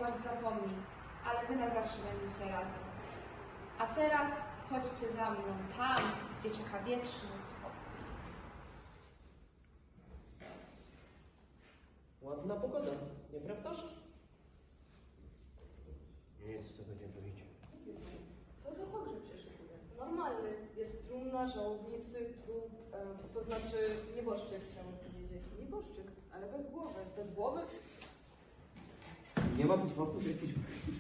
was zapomni, ale wy na zawsze będziecie razem. A teraz chodźcie za mną tam, gdzie czeka wieczny spokój. Ładna pogoda, nieprawdaż? Nic z tego nie wyjdzie. Co za pogrzeb się szykuje? Normalny. Jest trumna, żałobnicy, trup, to znaczy nieboszczyk, chciałam powiedzieć. Nieboszczyk, ale bez głowy. Bez głowy? Nie ma tu po prostu jakiejś...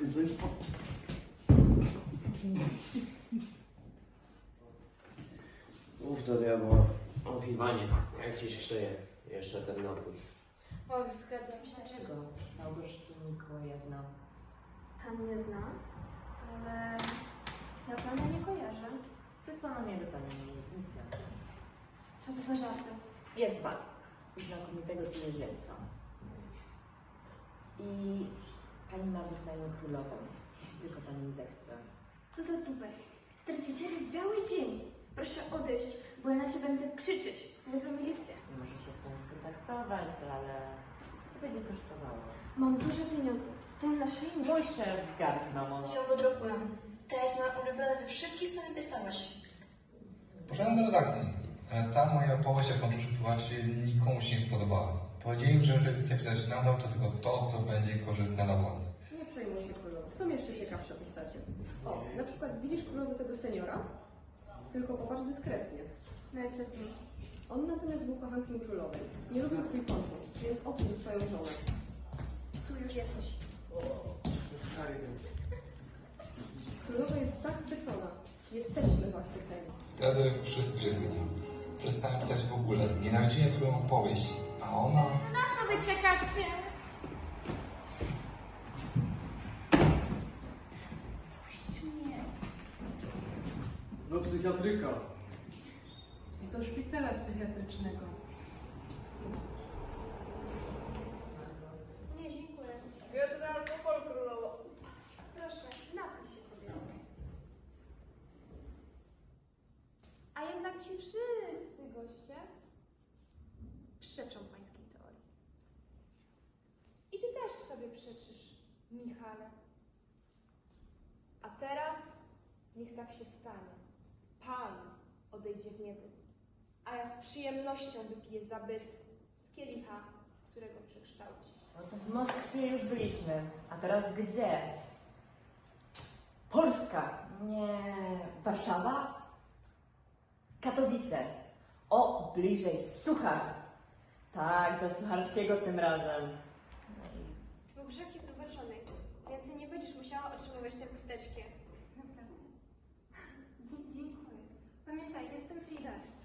Mów do diabła. O, Iwanie, jak ci się szyje? Jeszcze ten napój. Och, zgadzam się. Dlaczego, Małgorzata Mikołajewna? Pan mnie zna, ale ja pana nie kojarzę. Przysłano mnie do pani ministra. Co to za żarty? Jest pan. Znakomitego cudzoziemca. I pani ma wyznaję królową, jeśli tylko pani zechce. Co za tupet? Stracicie biały dzień. Proszę odejść, bo ja na ciebie będę krzyczeć. Wezwę milicję. Nie może się z tym skontaktować, ale to będzie kosztowało. Mam duże pieniądze. Ten naszyjnik. Mój szef gardzi mamą. ją wydrukuję. To jest moja ulubiona ze wszystkich, co napisałaś. Poszedłem do redakcji, ale tam moja opowieść, jak nauczył się pływać, nikomu się nie spodobała. Powiedzieli mi, że jeżeli chcę pisać nadal, to tylko to, co będzie korzystne dla władzy. Nie przejmuj się królowo. Są jeszcze ciekawsze postacie. O, na przykład widzisz królowo tego seniora? Tylko popatrz dyskretnie. No i co z nim? On natomiast był kochankiem królowej. Nie lubił twój konto, więc odsuń swoją żonę. Tu już jesteś. Królowa jest zachwycona. Jesteśmy zachwyceni. Wtedy wszystko się zmieniło. Przestałem pisać w ogóle, znienawidziłem swoją opowieść, a ona... Na sobie czekacie. Puść mnie. Do psychiatryka. Do szpitala psychiatrycznego. Nie, dziękuję. Ja to na alkohol, królowo. Proszę, napij się, kobieto. A jednak ci wszyscy goście przeczą pańskiej teorii. I ty też sobie przeczysz, Michale. A teraz niech tak się stanie. Pan odejdzie w niebyt, a ja z przyjemnością wypiję zabyt z kielicha, którego przekształcisz. No to w Moskwie już byliśmy. A teraz gdzie? Polska. Nie Warszawa? Katowice. O, bliżej. Suchar. Tak, do Sucharskiego tym razem. No i Twój grzech jest uważony. Więcej nie będziesz musiała otrzymywać te chusteczki. Naprawdę. Dziękuję. Pamiętaj, jestem Frida.